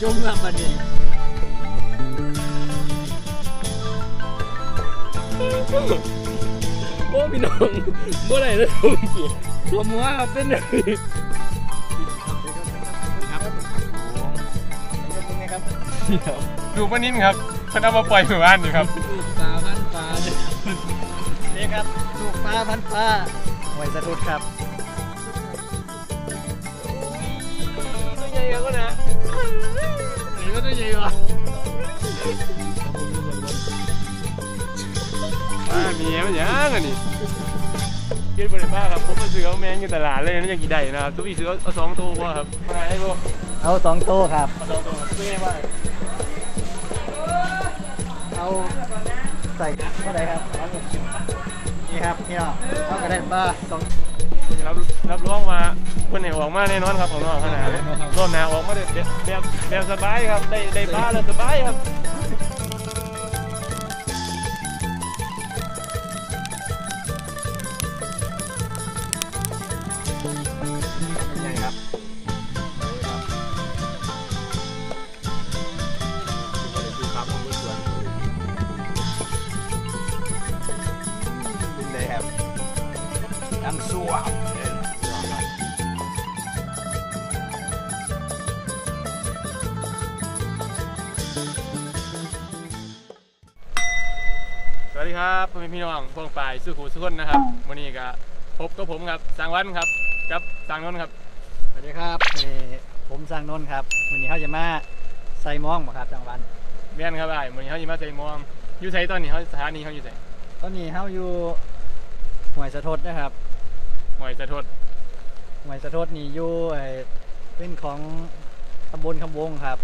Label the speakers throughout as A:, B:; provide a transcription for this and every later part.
A: จมกับมันนี่โอ้พี่น้องบ่ได้เลยตัวมัวครับเป็นเลย
B: ดูปลานิ่นครับเพิ่นเอามาปล่อยหมู่บ้านอยู่ครับ
A: ปลาพันปลานี่ครับถูกปลาพันปลาหอยสะดุดครับตัวใหญ่ก็นะนี่ก็ตัวใหญ่ว่ะ
B: มีมันยังอันนี้เกินบริภาคครับผมมาซื้อเอาแมงอยู่ตลาดเลยนั่นยังกี่ได้นะครับทุกทีซื้อเอา2 ตัวพอครับมาให้พวก
A: เอา2 โต๊ะครับ
B: เอา2 ตัวไม่ได้ว่า
A: เอาใส่เท่าไหร่ครับนี่ครับพี่น้องเอากระเด็นปลา
B: รับรองมาคนไหนออกมาแน่นอนครับของน้องขนาดรอบหน้าออกมาแบบสบายครับได้ปลาแล้วสบายครับใหญ่ครับเป็นไงครับน้ำซัวสวัสดีครับพ่อแม่พี่น้องพวกฝ่ายสู้ขู่สู้คนนะครับวันนี้ก็พบกับผมครับสังวันครับกับสังนนท์ครับ
A: สวัสดีครับนี่ผมสร้างนนท์ครับวันนี้เขาจะมาใส่มองบ่ครับจังหวัด
B: แม่นครับไอ้วันนี้เขาจะมาใส่มองอยู่ไสตอนนี้เขาสถานีเขาอยู่ไส
A: ตอนนี้เขาอยู่หวยสะทดนะครับ
B: หอยสะทด
A: หวยสะทดนี่อยู่เป็นของตำบลคำวงครับ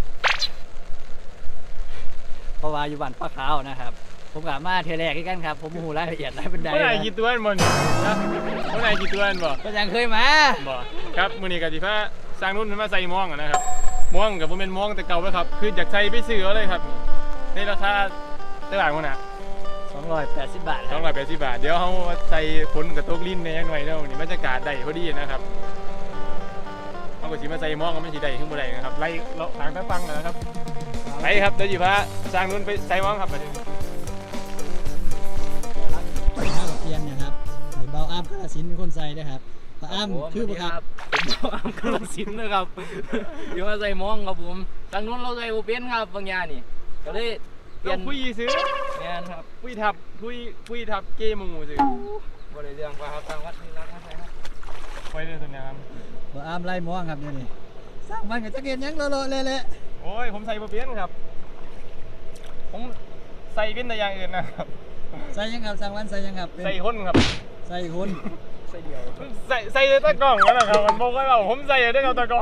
A: เพราะว่าอยู่บ้านป้าขาวนะครับผมกลับมาเทแรกกันครับผมหูรายละเอียดรายบันได
B: เมื่อไหร่กี่ตัวบ่เนี่ยนะเมื่อไหร่กี่ตัวบ่
A: ก็ยังเคยมา
B: บ่ครับมื้อนี้ก็สิพาสร้างนุ่นมาใส่มองนะครับมองกับบ่แม่นมองแต่เก่าแล้วครับคืออยากใส่ไปซื้อเอาเลยครับในราคาตลาดพุ่นน่ะ
A: 280 บาทครับ
B: 280 บาทเดี๋ยวเฮาใส่ฝนกับตกลิ้นแหน่จังหน่อยเด้อนี่บรรยากาศได้พอดีนะครับเฮาก็สิมาใส่มองก็มันสิได้ขึ้นบ่ได้นะครับไล่เลาะทางฟังนะครับไปครับเดี๋ยวสิพาสร้างนุ่นไปใส่มองครับบัดนี้
A: เทียนนะครับไข่เบาอ้ามกระสินเป็นคนใส่นะครับปลาอ้ามคือปะครับ
C: ผมบอกอ้ำกระสินนะครับอยู่มาใส่มองครับผมทางนู้นเราใส่โอเป็นครับบางอย่างนี่ก็เลยเปลี่ยน
B: คุยซื้อ
C: งานครับ
B: คุยทับเกมหมูซื้อบ
C: ริเรื่องว่าครับทางวัดนี่ร้านอะไรครับ
B: ไปเลยตัวนี้ครับ
A: ปลาอ้ามไล่มองครับเดี๋ยวนี้สร้างมันกับจักรยานยังโลๆเละ
B: โอ้ยผมใส่บ่เป็นครับผมใส่เป็นแต่อย่างอื่นนะครับ
A: ๆใส่ยังครับสร้างวันใส่ยังครับเป็น
B: ใส่คนครับ
A: ใส่คน
C: ใส่เดียว
B: ใส่ตะกร้องนั่นแหละครับมันบอกว่าผมใส่ได้เอาตะกร้อง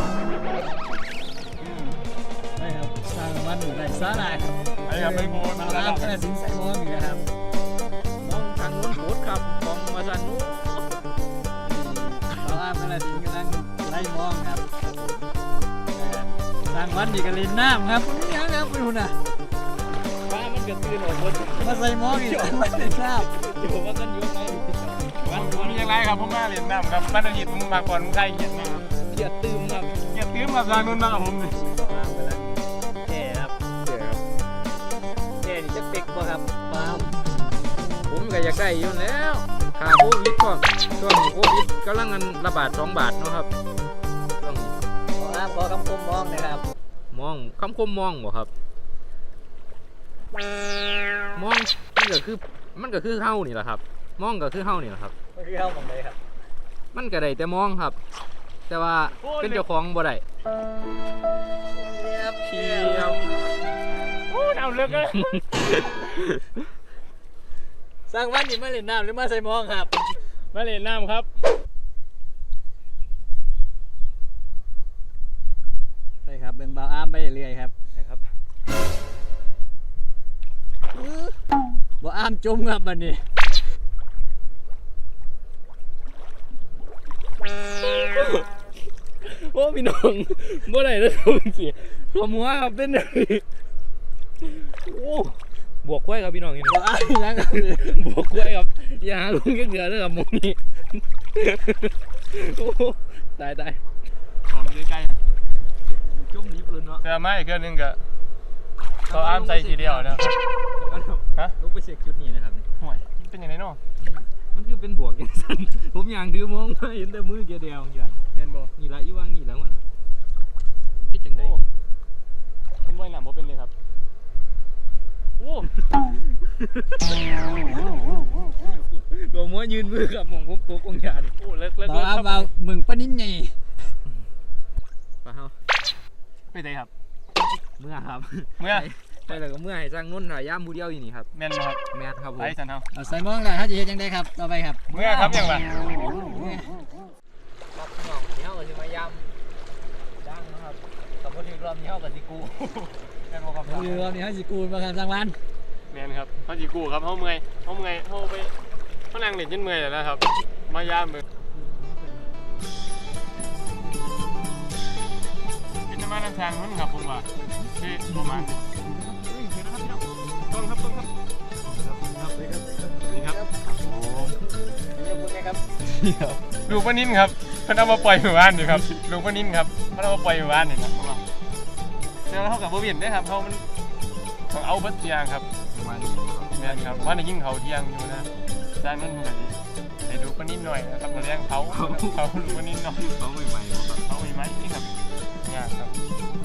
A: ใช่ครับสร้างวันอยู่ในสาราครับ
B: ไอ้ครับไปโบน
A: ปลาอ้ามกระสินใส่มองอยู่นะครับ
C: มองทางนู้นโหดครับมองมาทางนู้น
A: ปลาอ้ามกระสินกำลังไล่มองครับสร้างวันอยู่กับลินน้ำครับนี่ครับคุณหุ่นอ่ะ
C: ป้ามันก็ตื่นออกบน
A: มาใส่มองอีกสร้างวันลินน้ำ
C: อยู่ว่ากันอยู่ไหน
B: ผมมีอย่างไรครับผมมาเรียนน้ำครับบ้านอาทิตย์ผมมาก่อนใครเกียรติมาครับ
C: เกียดตื่มครับ
B: เกียรติตื้มกับทางนู้นมากับผมนี่
A: แก่ครับแก่นี่จะเป็กป่ะครับปลา
C: ผมก็อยากได้อยู่แล้วค่าโควิดก็ช่วงโควิดกำลังเงินระบาด2 บาทเนาะครับช่วงนี้
A: ปลาอ้ามพอคำคมมองนะครับ
C: มองคำคมมองบ่ครับมองมันก็คือเฮานี่แหละครับมองก็คือเฮานี่แหละครับ
A: ไม่คือเข้าของเลยครับ
C: มันก็ได้แต่มองครับ แต่ว่าเป็นเจ้าของบ่ได้
A: เพียบ
B: โอ้เอาเลิกเลย
A: สร้างวันนี่มาเล่นน้ำหรือมาใส่มองครับ
B: มาเรียนน้ำครับ
A: ใช่ครับเบิ่งเบาอ้ามไปเรื่อยครับ
B: นะครับ
A: เบาอ้ามจมครับบัดนี้
C: โอ้พี่น้องบ่ได้แล้วผมสิตัวมัวครับเป็นโอ้บวกกล้วยครับพี่น้องนี่
A: เบาอ้ามนี่นะครับ
C: บวกกล้วยครับอย่าหาลุงเกลือเด้อครับหมองนี้โอ้ตาย
B: หอมใกล้
C: จุ่มลิฟต์เลยเนาะ
B: แต่ไม่เครื่องนึงก็ต่ออ้ามใส่ทีเดียวนะฮะ
C: ลูกไปเช็คจุดนี้นะครับนี่
B: ห่วยเป็นยังไงเนาะ
C: มันคือเป็นบวกอย่างสั้นผมอย่างดื้อมองมาเห็นแต่มือแกเดียวอย่าง
B: เป็นบ่
C: นี่ละอีว่างนี่แล้วมันคิดจังได
B: ผมว่ายน้ำบ่เป็นเลยครับโอ้
C: หลวงมัวยืนมือกับมองผมตกองยาดิ
B: โหเลิก
A: ต่อ
B: ครับ
A: ว่ามึงปะนิ่นไง
C: ปะเฮา
B: ไม่ได้ครับ
C: เมื่อครับ
B: เมื่อ
C: ใช่แล้วก็เมื่อให้จ้างนุ่นถ่ายย่ามผู้เดียวอยู่นี่ครับ
B: แม่นบ่ครับ
C: แมทครับผม
B: ไปสันเฮา
A: เอาใส่มองแล้วเขาจะเฮ็ดยังไงครับต่อไปครับ
B: เมื่อครับยังล่ะ
C: ครับน้องนี่เฮาก็สิมายามจ้างนะครับสมมติรอบนี้เฮาก็สิกูแม่นบ่ครับ
A: เรือนี่เขาสิกูมาครับรางวัล
B: แม่นครับเฮาสิกู้ครับเฮาเมื่อยเฮาไปเฮานั่งเล่นจนเมื่อยแล้วนะครับมายามมือเป็นน้ำมันน้ำทางมันครับผมว่าที่ประมาณนี้ต้องครับนี่ครับลูกปลานิ่นครับเพิ่นเอามาปล่อยหมู่บ้านนี่ครับลูกปลานิ่นครับเพิ่นเอามาปล่อยหมู่บ้านนี่ครับแล้วเท่ากับบ่เวียนได้ครับเขามันต้องเอาเบิดเที่ยงครับ
C: ประมาณนี้ครับ
B: แม่นครับว่าในยิ่งเขาเที่ยงอยู่นะจานนั้นมันก็ดีให้ดูปลานิ่นหน่อยนะครับมาเลี้ยงเขาลูกปลานิ่นหน่อย
C: เขาใหม่ๆครับ
B: เขามีไหมนี่ครับงานครับ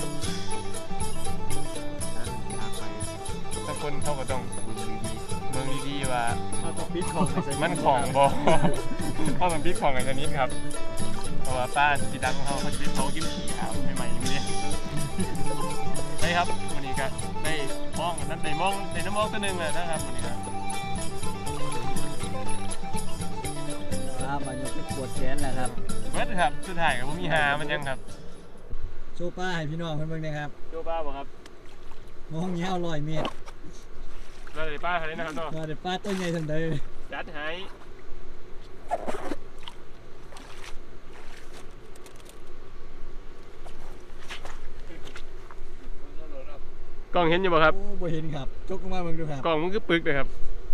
B: ถ้าคนเขาก็ต้องเมืองดีๆว่า
A: เขาต้องปิดของให้ใส่
B: มันของบอ เขาต้องพิกของกันชนิดครับเพราะว่าป้าจีดังเขาจะพิกเขากินขี้ขาวใหม่ๆอย่างนี้ใช่ครับวันนี้ก็ได้มองนั้นได้มองได้น้ำมองตัวหนึ่งเลยนะครับวันนี้ครับ
A: มายกไปปวดแขนแล้วครับ
B: เบิร์ดครับสุดท้ายกับผมมีหามันยังครับ
A: โชว์ป้าให้พี่น้องเพิ่นเบิ่งนะครับ
B: โจป้าบอกครับ
A: มองยาว100 เมตร
B: เราได้ป้าเขาเลยนะครับเนาะ
A: ว่าแต่ป้าตัวใหญ่ซั่นใด
B: จัดให้กล้องเห็นอยู่บ่ครับ
A: โอ้บ่เห็นครับจกลงมาเบิ่งดูครับ
B: กล้องมันคือปึกเลยครับ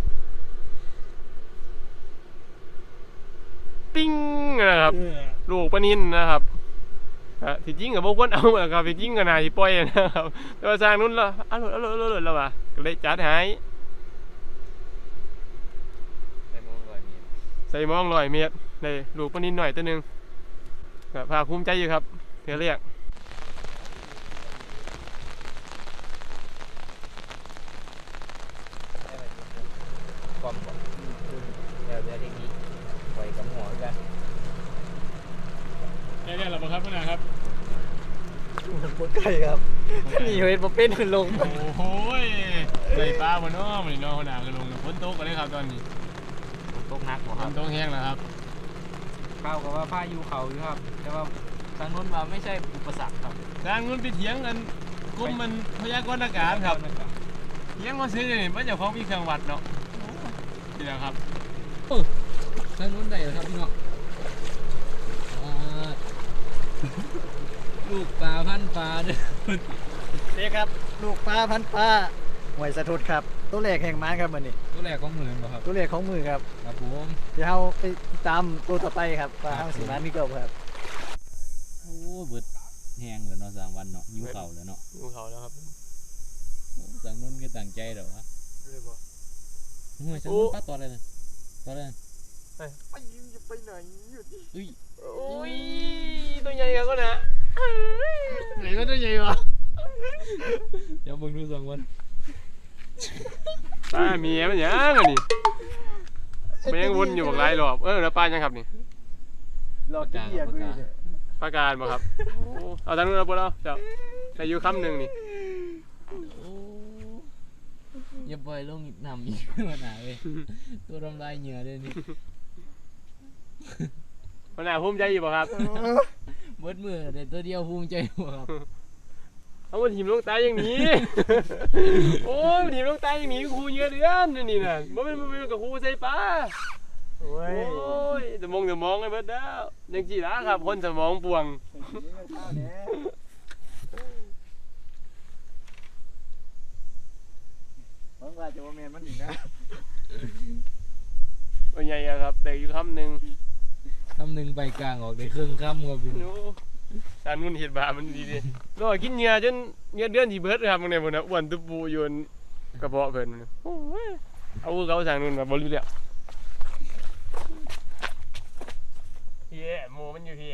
B: ปิ้งนะครับ ลูกปลานินนะครับที่จริงกับพวกคนเอาอะครับที่จริงกับนายที่ปล่อยนะครับแต่ว่าสร้างนู้นละอร่อยแล้วว่ะก็เลยจัดให้
C: ใส่มอง100 เมตร
B: ใส่มอง100 เมตรได้ลูกปลานินหน่อยตัวหนึงก็ภาคภูมิใจอยู่ครับเพื่อเรียก
C: ความบอกแล้วเดี๋ยวเทคนิคปล่อยกับหัวกัน
B: ได้แล้วบ่ครับพ่อนะครับ
A: ปวดไก่ครับนี่เฮ็ดบ่เป็นลง
B: โอ้โหใส่ปลาบนน้อมันน้อหนาก็ลงฝนตกกันเลยครับตอนนี้
C: ตกนักบ่
B: ฝ
C: ครับ
B: นตกแห้งแล้วครับ
C: ข้าวกับว่าผ้ายูเขาอยู่ครับ แต่ว่าทางนู้นว่าไม่ใช่อุปสรรคครับ
B: ทางนู้นไปเถียงกันกรมมันพยากรณ์อากาศครับเถียงมาซื้อนี่มันจะของมีเครื่องวัดเนาะนี่แหละครับ
A: ทางนู้นได้แล้วครับพี่น้องลูกปลาพันปลาเด้อนี่ครับลูกปลาพันปลาหวยสะทุดครับตัวแรกแห่งม้าครับมื้อนี้
C: ตัวแรกของเหมือนบ่ครับ
A: ตัวแรกของมือครับ
C: ครับผม
A: เดี๋ยวเฮาไปตามตัวต่อไปครับว่าเฮาสิมามีเก่าครับ
C: โอ้เบิดแห้งแล้วเนาะ3 วันเนาะยิ้วเข่าแล้วเนาะ
B: ดูเขาแล้วครับ
C: ทางนู้นก็ตั้งใจเด้อวะห่วยทางนู้นป้าต่อเลยนะต่อเลยนะ
A: ไปจะไปไหนอยู่ดิ
C: อุ้ย
B: โอ้ยตัวใหญ่กันก็นะ
A: ไหนมันตัวใหญ่วะ
C: เดี๋ยวเบิ่งดู2 วัน
B: ปลาเมียมันยังอันนี้มันยังวนอยู่บักหลายรอบแล้วปลายังครับนี่
A: รอกินเบียร์กูอยู่เนี่ย
B: ปลาการบ่ครับเอาทางนู้นเอาปเอาเจ้าใส่อยู่คำหนึ่งนี่
C: โอ้อย่าปล่อยลงน้ำอีกมาหนาเว้ยตัวทำลายเหงื่อเลยนี่
B: มันน่าภูมิใจอยู่บ่ครับ
C: เบิดมือแต่ตัวเดียวภูมิใจบ่ครับ
B: เอามาทีมลงตายอย่างนี้ โอ้ยทีมลงตายอย่างนี้ครูเยอะเดือนนี่น่ะมันเป็นกับครูใส่ปลา
A: โอ้ย
B: โอ้ยสมองไอ้เบิดแล้วยังจีละครับคนสมองป่วง
A: หวังว่าจะว่าแมนมันอีกนะ
B: เป็นไงอะครับแต่อยู่คำหนึ่ง
C: คำหนึ่งใบกลางออกได้ครึ่งคำครับพี่
B: โอ้สารนุ่นเห็ดบามันดีดิก็กินเหงื่อจนเหงื่อเดือนที่เบิดครับบางในบนอ้วนตุปูอยู่กระเพาะเพิ่นโอ้ยเอาเขาสารนุ่นมาบริแล้วพี่โมมันอยู่พี่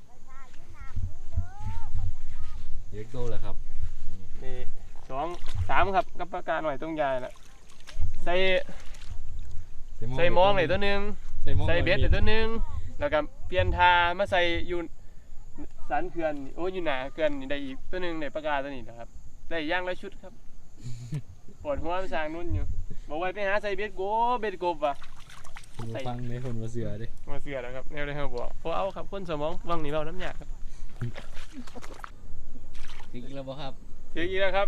C: เด็กโตแล้วครับ
B: นี่2 3ครับกับปากกาหน่อยตรงยายน่ะใส่มองเลยตัวนึงใส่เบ็ดเลยตัวนึงแล้วก็เปลี่ยนทามาใส่อยู่สันเขื่อนโอ้อยู่หนาเขื่อนนี่ได้อีกตัวนึงในปากกาตัวนี้นะครับได้ย่างละชุดครับปวดหัวไปสร้างนุ่นอยู่บอกว่าไปหาใส่เบ็ดกบว่ะ
C: ฟังในคนมาเสือดิ
B: มาเสือแล้วครับแนวเลยเขาบอกพอเอาครับคนสมองวังนี่เราน้ำยาครับ
C: ถึงแล้วบ่ครับ
B: ถืออีกแล้วครับ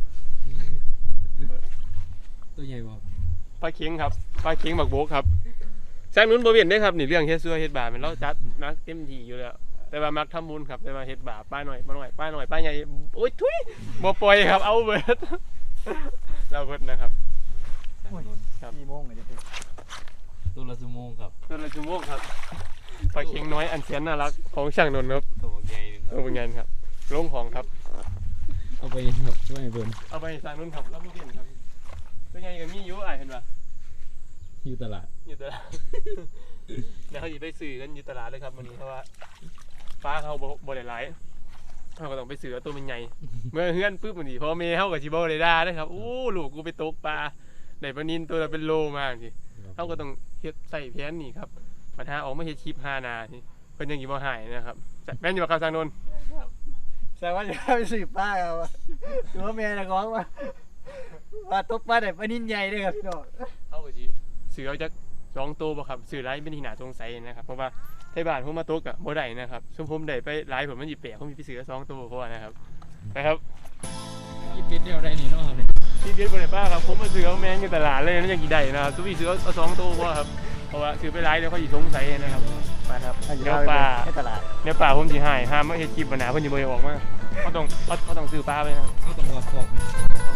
C: ตัวใหญ่บ่
B: ปลาเข็งครับปลาเข็งบักโบกครับสร้างนุ่นบ่เวียนได้ครับนี่เรื่องเฮ็ดซัวเฮ็ดบาปเป็นเราจัดนักเต็มที่อยู่แล้วแต่ว่ามักทำบุญครับแต่ว่าเฮ็ดบาปป้าหน่อยป้าใหญ่โอ้ยทุยบ่ปล่อยครับเอาเบิด เราเบิดนะครับ ครับ
A: 4 โมงเลยเด้อ
C: ตัวละชั่วโมงครับ
B: ตัวละชั่วโมงครับปลาเข็งน้อยอันแสนน่ารักของช่างนนท์ครับ
C: ตัวใหญ่นึง
B: เอาเป็นไงครับลงของครับ
C: เอาไปครับช่วยเพิ่น
B: เอาไปสร้างนุ่นครับแล้วบ่เวียนครับเป็นไงกับมีอยู่เห็นป่ะ
C: อยู่ตลาด
B: อยู่ตลาด เดี๋ยวเขาจะไปซื้อกันอยู่ตลาดเลยครับวันนี้เพราะว่าฟ้าเขาบ่ได้หลายเขาก็ต้องไปซื้อเอาตัวมันใหญ่ เมื่อเฮือนปุ๊บมันนี่พอเมย์เขากับชิบอเลยได้นะครับโอ้ลูกกูไปตกปลาได้ปลานินตัวละเป็นโลมากทีเขาก็ต้องเฮ็ดใส่แผนนี่ครับปัญหาออกมาเฮ็ดคลิป5 นาทีเพิ่นยังอยู่บ่หายนะครับแม่นอยู่บ่ครับทางโน้น
A: แสดงว่าจะไปสืบป้าครับหรือว่าแม่นักร้องว่าตกปลาได้ปลานินใหญ่เด้อครับพี่น้อง
B: เขาก็สิซื้อเอาจัก2 ตัวบ่ครับซื้อหลายเป็นที่น่าสงสัยนะครับเพราะว่าไทบ้านผมมาตกอะบ่ได้นะครับซุมผมได้ไปหลายผมมันสิแปลกผมสิไปซื้อ2 ตัวเพราะว่านะครับนะครับ
C: กินเป็ดเดียวได้นี่เนาะครับเนี่ย
B: ที่เด็ดบนไหนป้าครับผมมาซื้อเอาแมงอยู่ตลาดเลยนั่นยังกี่ได้นะครับทุกทีซื้อเอา2 ตัวเพราะครับเพราะว่าซื้อไปหลายเดี๋ยวเขาสิสงสัยนะครับไปครับเนื้อปลา
A: ให้ตลาด
B: เนื้อปลาผมสิให้ห้ามมาเฮ็ดคลิปปัญหาเพิ่นสิบ่ให้ออกมาเขาต้องซื้อปลาไปนะครับ
C: เขาต้องวัดฟอกนะ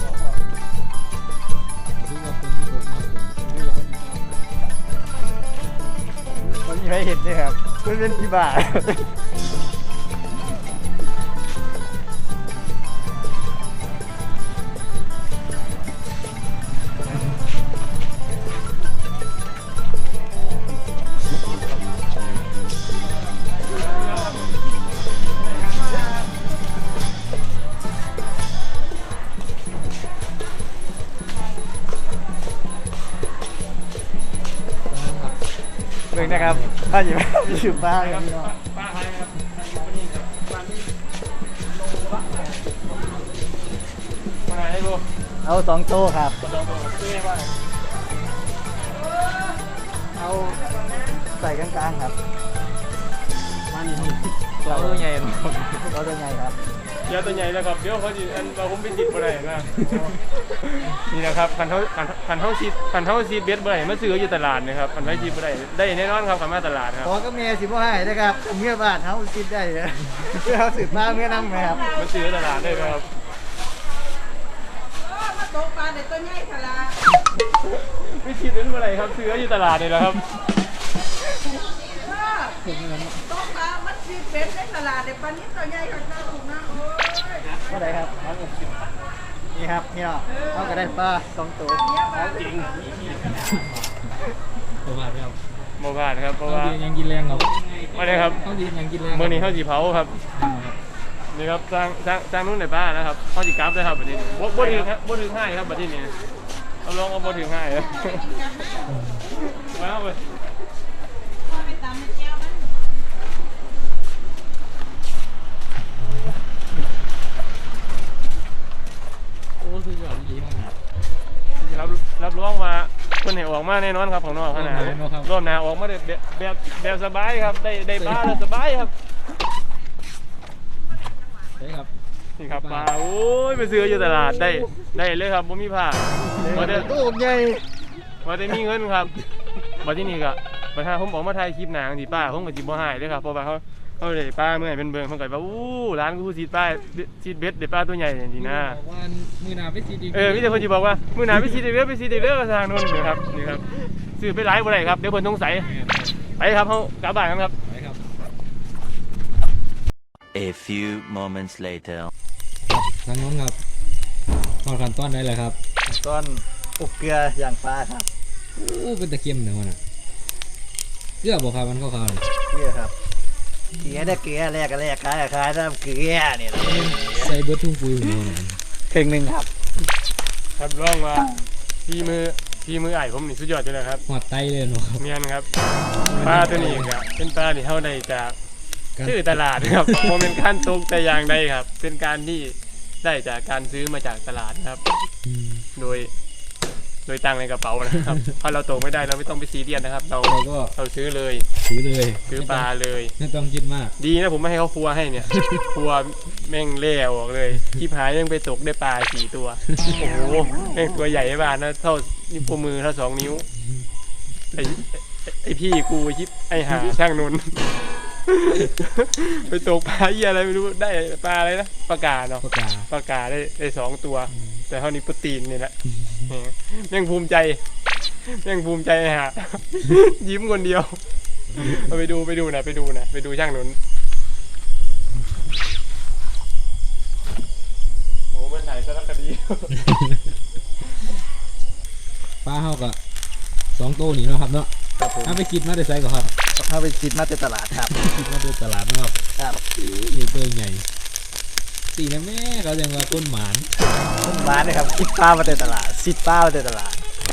C: คือว่าคนที่ตกมาผม
A: มันมีใครเห็นด้วยครับมันเป็นที่บ้า เบิ่งนะครับถ้าอยู่มีสืบป้าครับพี่น้อง
B: ปลาไทยครับปลานี่ครับปลานี่โลละปลาให้บ่
A: เอา2 โต๊ะครับ
B: ปลาดองตัวซื้อให้ว่า
A: เอาใส่กลางๆครับ
B: มานี่
A: เรา
C: ตัวใหญ่เนาะ
A: เราตัวใหญ่ครับ
B: เดี๋ยวตัวใหญ่แล้วครับเดี๋ยวเขาสิอันเราผมไปติดบ่ได้นะ นี่นะครับคันเท้าซีดเบ็ดบ่ได้มาซื้ออยู่ตลาดนะครับคันไว้ซีดบ่ได้ได้แน่นอนครับคันมาตลาดครับ
A: ขอก็เมียสิบ่ให้นะครับเมื่อบาทเฮาคิดได้เลยเพื่อเฮาสืบป้าเมื่อนำครับ
B: มาซื้อตลาดได้ครับ
D: มาตกปลาเด็กตัวใหญ่ขนาด
B: ไม่ซีดเป็นบ่ได้ครับซื้ออยู่ตลาดนี่แหละครับ
D: ตกปลามันชีเป็ดในตลาดเด็กปลานี้ตัวใหญ่ขนาดถูกนะโอ้ย
A: เท่าไหร่ครับนี่ครับพี่น้องเฮาก็ได้ปลา2 ตัว
B: จริง
C: ประมาณครับ
B: บ่พลาดครับเพราะ
C: เขา
B: ว่า
C: ดียังกินแรงครับ
B: ว่าได้ครับ
C: เขาดียังกินแรง
B: มื้อนี้เฮาสิเผาครับนี่ครับสร้างนู่นในบ้านนะครับเฮาสิกลับได้ครับบัดนี้บ่ถึงครับบ่ถึง5ครับบัดนี้เอาลองเอาบ่ถึง5ครับมาเอาไป
D: ไปตามในแก้วมัน
C: โอ้สุดยอดดีมากครับ
B: รับรองว่าเพิ่นให้ออกมาแน่นอนครับของน้องขนาดรอบหน้าออกมาแบบสบายครับได้ปลาแล้วสบายครับ
C: ใช่ครับ
B: นี่ครับปลาโอ้ยไปซื้ออยู่ตลาดได้เลยครับบ่มีผ้าบ่ได้
A: ตู้ใหญ่
B: บ่ได้มีเงินครับบัดที่นี่ก็บัดถ้าผมออกมาถ่ายคลิปหนังสิป้าผมก็สิบ่ให้เด้อครับเพราะว่าเขาได้ปลาเมื่อให้เป็นเบิ่งเพิ่นก็ว่าอู้ร้านกูสิปลาสิเบ็ดได้ปลาตัวใหญ่จังซี่นะ
C: บอกว่ามือหนาไปสีดี
B: มีแต่คนสิบอกว่ามื้อหน้าไปสิได้เด้อก็ทางโน้นนี่ครับนี่ครับซื้อไปหลายบ่ได้ครับเดี๋ยวเพิ่นสงสัยไปครับเฮากลับบ้านกันครับ
C: ไปครับ
E: A few moments later.
C: ทางน้องครับทอดขั้นตอนได้เลยครับ
A: ก้อนอบเกลืออย่างปลาครับ
C: โอ้เป็นตะเกียมเดี๋ยวมันอ่ะเกลือบอกครับมันเข้าวๆนี่
A: เกลือครับเกลือได้เกลือแรกก็แรกขายขายน้ำเกลือเนี่ย
C: ใส่เบิร์ดทุ่งปุ๋ยของเรา
A: ครึ่งหนึ่งครับ
B: ครับร้องว่าพี่มือไอ้ผมนี่สุดยอดอยู่แล้วครับ
C: หอดไตเลยเนาะครับ
B: เมียนครับปลาตัวนี้ครับเป็นปลาที่เท่าใดจากชื่อตลาดครับ โมเป็นขั้นตกแต่อย่างใดครับ เป็นการที่ได้จากการซื้อมาจากตลาดครับ
C: อืม
B: โดยตังค์ในกระเป๋านะครับ ถ้าเราตกไม่ได้เราไม่ต้องไปซีเรียสนะครับ
C: เราก็
B: เราซื้อเลย
C: ซื้อเลย
B: ซื้อปลาเลย
C: ไม่ต้องคิดมาก
B: ดีนะผมไม่ให้เขาฟัวให้เนี่ย ฟัวแม่งเล่ออกเลยที่หายยังไปตกได้ปลา4 ตัว โอ้โหแม่งตัวใหญ่บ้านนะเท่านิ้วมือเท่า2 นิ้วไอพี่กูชิปไอหาช่างนนท์ ไปตกปลาเหี้ยอะไรไม่รู้ได้ปลาอะไรนะปลากาเนาะ
C: ปากกา
B: ปลากาได้2 ตัว แต่เท่านี้โปรตีนนี่แหละแม่งภูมิใจฮะ ยิ้มคนเดียวเอาไปดูนะไปดูช่างนนท์โอ้เป็นถ่ายสารคดี
C: ปลาเฮาก็2 ตัวนี่เนาะครับเนาะ
A: ครับผม
C: ถ้าไปคิดมาได้ไซก่อนครับ
A: ถ้าไปคิดมาแต่ตลาดครับ
C: คิดมาได้ตลาดเนาะครับ
A: ครับ
C: นี่ตัวใหญ่ตีนะแม่เขาเรียกว่าต้นหมาน
A: ต้นไม้นะครับคิดปลามาแต่ตลาดซิดปลามาแต่ตลาด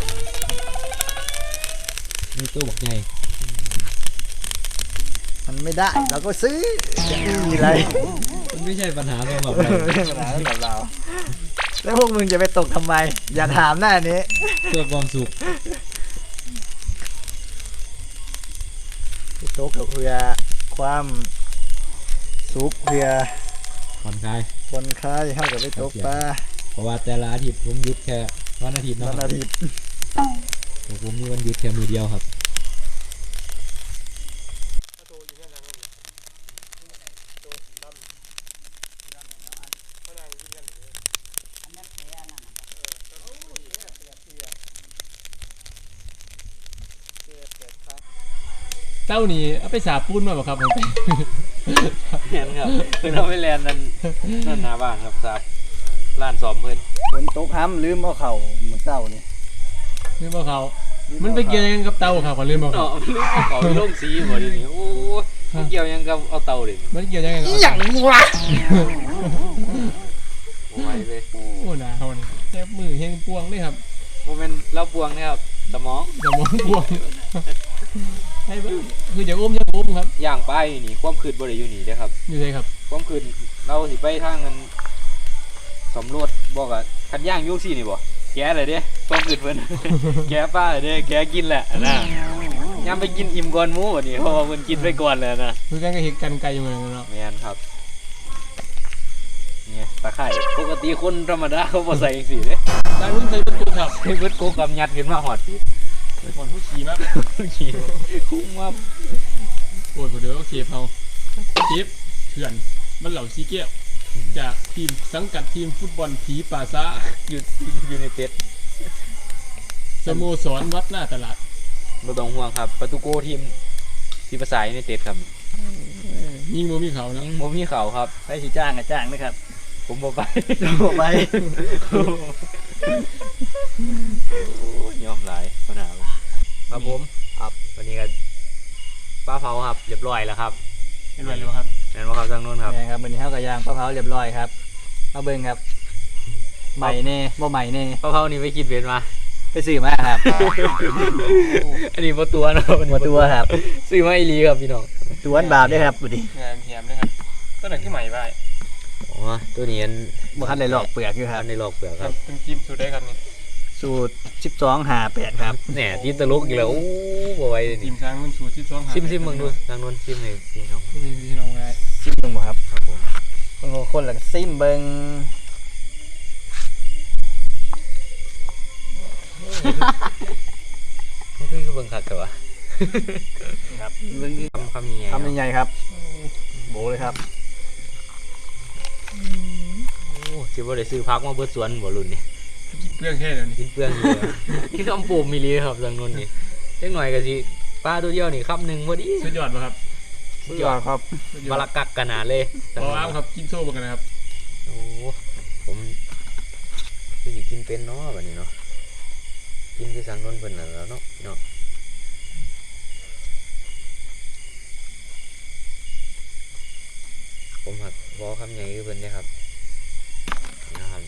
C: นี่ตัวบักใหญ่
A: มันไม่ได้เราก็ซื้อจะมีอะไร
C: มันไม่ใช่ปัญหาสำหรับ
A: ไม่
C: เรา
A: ใช่ปัญหาสำหรับเราแล้วพวกมึงจะไปตกทำไม อย่าถามหน้านี้
C: เพื่อความสุข
A: ตกกับเพื่อความสุขเพื่อ
C: ผ่อนคลาย
A: คนคลายให้กับไปตกปลา
C: เพราะว่าแต่ละอาทิตย์ผมหยุดแค่วันอาทิตย์เนาะ
A: วันอาทิตย์
C: ผมมีวันหยุดแค่มือเดียวครับ
B: เต้านี่เอาไปสาปูนมาบ่ครับผม
C: เห็นครับคือเราไม่แลนนั่นหน้าบ้านครับครับร้านสอมเพิ่น
A: ฝนตกห้ำลืมเอาเข่าเหมือนเต้านี่
B: ลืมเอาเขามันไปเกี่ยวยังกับเต้าครับขอลืมเอาเขา
C: เนาะลืมเอาเขาไปลงสีบ่ดิโอ้ยมันเกี่ยวยังกับเอาเตาดิ
B: มันเกี่ยวยังไงกับ
A: อย่างวะ
C: โอ้ยเลย
B: โอ้หนาวนี่แค่มือเฮงปวงเลยครับ
C: โมเมนต์เราปวงเนี่ยครับสมอง
B: สมองปวงให้เบิ่งคืออย่าอุ้มครับ
C: ย่างไปนี่ความคืดบ่ได้อยู่นี่เด้อครับ
B: อยู่เลยครับ
C: ความคืดเราสิไปทางกันสำรวจบอกอ่ะคันย่างอยุ่ซี่นี่บ่แกเลยเด้ความคืดเพิ่น แกป้าเลยเด้แกกินแหละนะยามไปกินอิ่มก่อนหมูบัดนี้เพราะว่าเพิ่นกินไปก่อนแล้วนะ
B: คือกันก็เห็นกันไกลอยู่เหมือนกันเนาะ
C: แม่นครับเนี่ยตะไคร้ปกติคนธรรมดาเขาบ่ใส่จังซี่เด้
B: ได้รุ่นใส่ตุ๊กครับ
C: ให้เบิดโกกำยัดขึ้นมาฮอดพี่
B: เป็นคนผู้ขี่มาก
C: ขี้คุ้มว่า
B: โอ้ยเดี๋ยวเคฟเอาเคฟเถื่อนมันเหล่าซีเกี้ยวจากทีมสังกัดทีมฟุตบอลผีป่าซ่า
C: อยู่ในเต็ด
B: สโมสรวัดหน้าตลาด
C: บ่ต้องห่วงครับประตูโกทีมภาษาอยู่ในเต็ดครับ
B: ยิงโมมีเขานะ
C: บ่มีเขาครับ
A: ไปสิจ้างกับจ้างนะครับ
C: ผมบ่ไป
A: บอกไป
C: โอ้ยยอมหลายปัญหาครับผมครับวันนี้ก็ปลาเผาครับเรียบร้อยแล้วครับ
B: เป็นไรรู้ครับ
C: นั่นว่าครับทางนู้นครับ
A: นี่ครับวันนี้ข้าวกับยางปลาเผาเรียบร้อยครับมาเบิ่งครับใหม่แน่บ่ใหม่แน่
C: ปลาเผานี่ไปกินเบ็ดมา
A: ไปซื้อมาครับ
C: อันนี้บ่ตัวนะครับ
A: หมดตัวครับ
C: ซื้อมาอีหลีครับพี่น้อง
A: ตัวนบาปด้วยครับบุดี
B: งานแถมนะครับต้นไหนที่ใหม่ไป
C: อ๋อตัวนี้อัน
A: บ่ทันได้หลอกเปลือกอยู่ครับ
C: ในหลอกเปลือกครับ
B: เป็นทีมสุดได้ครับนี่
A: สูตร1258ครับ
C: แหน่ที่ตลกอีกแล้วโอ้บ่ไหวเลย
B: ที
C: นี่
B: มช้างรุ่นสูตรที่ต้องหา
C: ซิมเบิ่งดูทางนู้นซิมให้พี่น้อง
B: พี่น้องได้
A: ซิมเบิ่งบ่ครับ
C: ครับผม
A: คนละก็ซิมเบิ่ง
C: มันคือเบิ่งคักแต่ว่า
A: ครับ
C: เบิ่งคำใหญ่
A: ทำยังไงครับโบเลยครับ
C: โอ้สิบ่ได้ซื้อพักมาเบิดสวนบ่รุ่นนี่
B: เรื่องแค่นี้
C: กินเปลืองอยู่ นี่คำปูมีลีครับทางนู้นนี่เล็กหน่อยก็สิปลาตัวเดียวนี่คำหนึ่งพอดี
B: สุดยอดป่ะครับ
C: ส
A: สุดยอดครับ
C: บาลักกักขนาดเลย
B: พออ้ามครับกินโซ่กันนะครับ
C: โอ้ผมคือสิกินเป็นเนาะแบบนี้เนาะกินคือสังนนเพิ่นน่ะแล้วเนาะพี่เนาะผมหักบอคำใหญ่คือเพิ่นเนี่ยครับนะครับ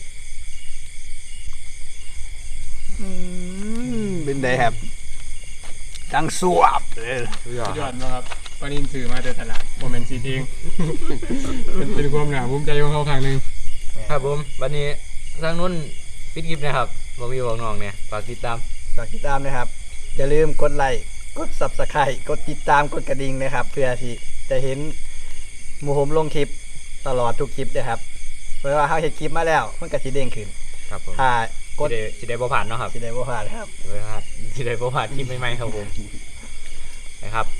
A: เป็นไดครับจังสวบเลย
B: สุดยอดนะครับปลานินถือมาแต่ตลาดโมเมนต์ซีเอง เป็นความหนาภูมิใจของเขาครั้งหนึ่ง
C: ครับผมวันนี้ทางนู้นปิดคลิปนะครับบอกพี่บอกน้องเนี่ยฝากติดตาม
A: ฝากติดตามนะครับ อย่าลืมกดไลค์กด Subscribe กดติดตามกดกระดิ่งนะครับ เพื่อที่จะเห็นหมู่ผมลงคลิปตลอดทุกคลิปนะครับเพราะว่าเขาเห็นคลิปมาแล้วมันก็สิเด้งขึ้น
C: ครับผม
A: ถ้ากด
C: สิได้บ่ผ่านเนาะครับ
A: สิได้บ่พลาดครับ
C: สิได้บ่ผ่านคลิปใหม่ๆครับผมนะครับ